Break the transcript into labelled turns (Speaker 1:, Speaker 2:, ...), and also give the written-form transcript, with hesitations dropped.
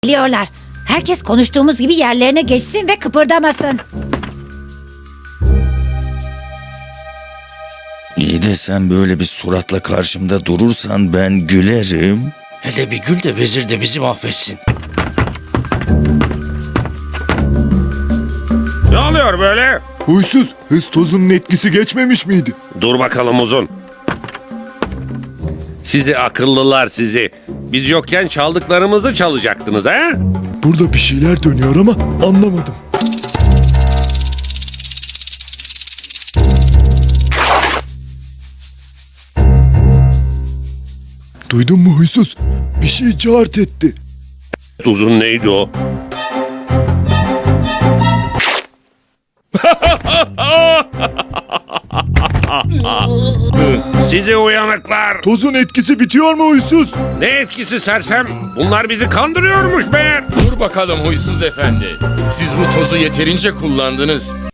Speaker 1: Biliyorlar. Herkes konuştuğumuz gibi yerlerine geçsin ve kıpırdamasın.
Speaker 2: İyi de sen böyle bir suratla karşımda durursan ben gülerim.
Speaker 3: Hele bir gül de vezir de bizi mahvetsin.
Speaker 4: Ne oluyor böyle?
Speaker 5: Huysuz, hız tozunun etkisi geçmemiş miydi?
Speaker 4: Dur bakalım uzun. Sizi akıllılar sizi. Biz yokken çaldıklarımızı çalacaktınız ha?
Speaker 5: Burada bir şeyler dönüyor ama anlamadım. Duydun mu huysuz? Bir şey cart etti.
Speaker 4: Uzun neydi o? Sizi uyanıklar.
Speaker 5: Tozun etkisi bitiyor mu huysuz?
Speaker 4: Ne etkisi sersem? Bunlar bizi kandırıyormuş meğer.
Speaker 6: Dur bakalım huysuz efendi. Siz bu tozu yeterince kullandınız.